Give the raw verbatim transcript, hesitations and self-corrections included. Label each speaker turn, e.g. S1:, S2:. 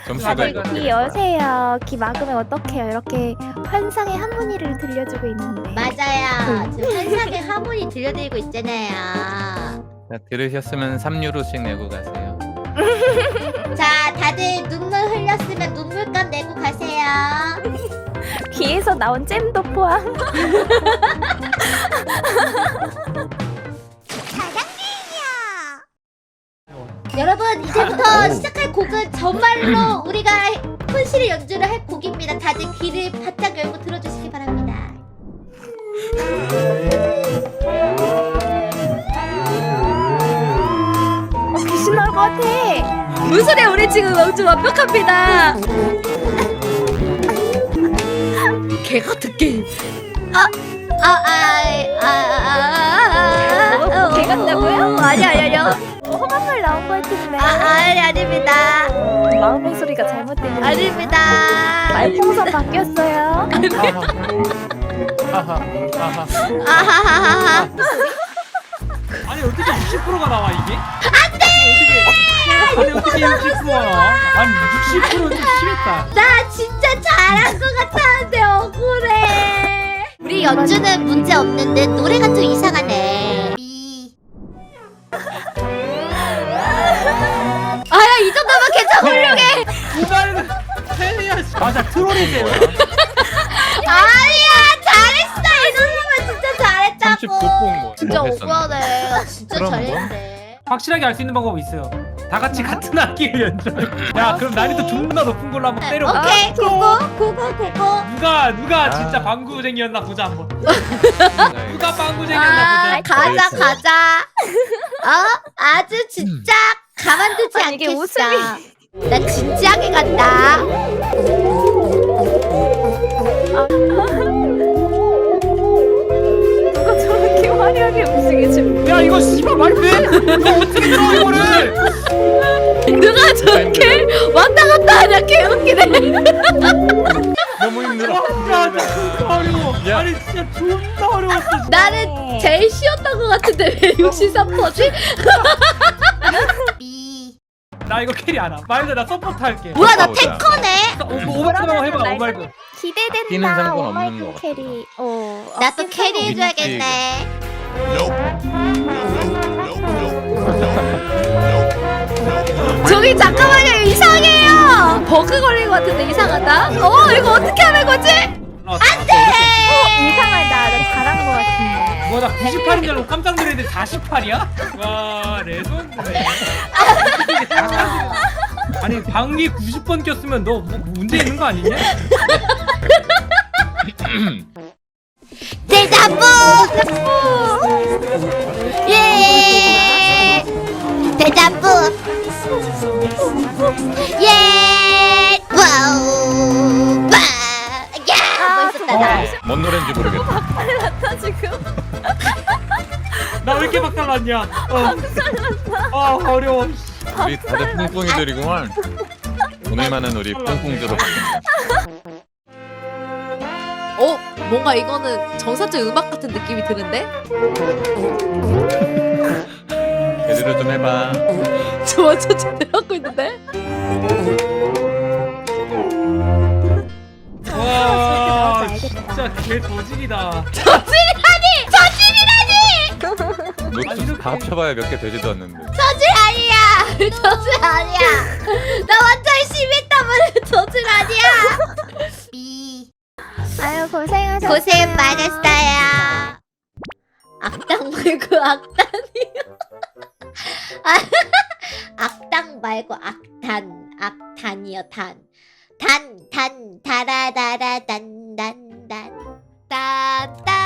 S1: 점수가
S2: 다들
S1: 이거
S2: 귀 여세요. 귀 막으면 어떡해요? 이렇게 환상의 하모니를 들려주고 있는데.
S3: 맞아요. 지금 환상의 하모니 들려드리고 있잖아요.
S1: 자, 들으셨으면 삼 유로씩 내고 가세요.
S3: 자, 다들 눈물 흘렸으면 눈물값 내고 가세요.
S2: 귀에서 나온 잼도 포함.
S3: 여러분, 이제부터 시작할 곡은 정말로 우리가 혼실의 연주를 할 곡입니다. 다들 귀를 바짝 열고 들어주시기 바랍니다.
S2: 어, 귀신 나올 것 같아.
S4: 무슨 소리야? 우리 지금 아주 완벽합니다. 개 같은 게임.
S3: 아, 아, 아, 아, 아, 아,
S2: 어, 개 같다고요?
S3: 아니, 아니, 아니요.
S2: 어, 험한 나온 것 같은데.
S3: 아, 아니, 아닙니다.
S2: 마음의 소리가 잘못된.
S3: 아닙니다.
S2: 말풍선 바뀌었어요.
S1: 하하, 하하.
S3: 아하하하.
S5: 아니 어떻게 육십 퍼센트가 나와 이게? 안돼! 어떻게? 아니 어떻게 육십 퍼센트가 나와? 아니 육십 퍼센트는 좀 심했다.
S3: 나 진짜 잘한 것 같았는데 억울해. 우리 연주는 문제 없는데 노래가 좀 이상하네. 미. 아야 이 정도면 괜찮아 훌륭해.
S5: 이번에는 헬리야. 맞아 트롤이세요.
S3: 아니야 잘했어 이 정도면 진짜 잘했다고.
S1: 삼십구 분 뭐.
S3: 진짜
S1: 뭐 했었나?
S3: 억울하네. 나 진짜
S1: 그럼 뭐?
S3: 잘했네.
S5: 확실하게 알 수 있는 방법이 있어요. 다 같이 같은 악기를 연주해. 야 그럼 난이도 존나 높은 걸로 한번 때려봐.
S3: 오케이 고고 고고 고고.
S5: 누가 누가
S1: 아.
S5: 진짜 방구쟁이였나 보자 한번.
S1: 네.
S5: 누가 방구쟁이였나
S3: 아,
S5: 보자.
S3: 가자
S1: 알겠어요.
S3: 가자. 어 아주 진짜 가만두지
S2: 아니, 이게
S3: 않겠어.
S2: 웃음이-
S3: 나 진지하게 간다.
S2: 누가 저렇게 화려하게 움직이지?
S5: 야 이거 씨발 말이 돼? 이거 어떻게 들어 이거를?
S4: 누가 저렇게 왔다 갔다 하냐? 개 웃기네.
S1: 너무 힘들어.
S5: 야 진짜 어려워.
S1: 야.
S5: 아니 진짜 존나 어려웠어.
S3: 나는 제일 쉬웠던 것 같은데 왜 육십삼 퍼지?
S5: 나 이거 캐리 안 함. 말도 나 서포트 할게.
S3: 뭐야 나
S1: 보자.
S3: 탱커네.
S5: 오버클만 해봐
S2: 날-
S5: 오발드.
S1: 끼는
S2: 기대된다.
S1: 상관없는
S2: 오마이갓
S1: 것 같아.
S2: 캐리. 어.
S3: 나 또
S2: 아낀
S3: 캐리
S2: 상관-
S3: 해줘야겠네.
S4: 저기 잠깐만요. 이상해요. 버그 걸린 것 같은데 이상하다. 어 이거 어떻게 하는 거지?
S5: 안돼.
S2: 이상하다. 나 잘한 것 같은데.
S5: 뭐나 구십팔인 줄 알고 깜짝 놀랐는데 사십팔이야? 와 레전드네. 아니 방귀 구십 번 꼈으면 너 뭐 문제 있는 거 아니냐?
S3: 대자부. 예. 대자부. 예. 와우. 와. 야. 멋있다 나.
S1: 뭔 노래인지 모르겠다.
S2: 나 지금.
S5: 나 왜 이렇게 박살났냐? 어. 아 어려워.
S1: 우리 다들 뿡뿡이들이구만. 오늘만은 우리 뿡뿡들어.
S4: 어 뭔가 이거는 정사적 음악 같은 느낌이 드는데?
S1: 제대로 좀 해봐.
S4: 저 완전 제대로 하고 있는데?
S5: 와
S2: 저렇게 나오지
S5: 진짜 개 저질이다.
S1: 노트 다 합쳐봐야 몇 개 되지도 않는데.
S3: 저질 아니야. 저질 아니야. 나 완전 심했다면 저질 아니야. 미.
S2: 아유 고생하셨어요.
S3: 고생 많았어요. 악당 말고 악단이요. 아, 악당 말고 악단. 악단이요 단. 단, 단, 다라다라, 단, 단, 단. 딴, 딴.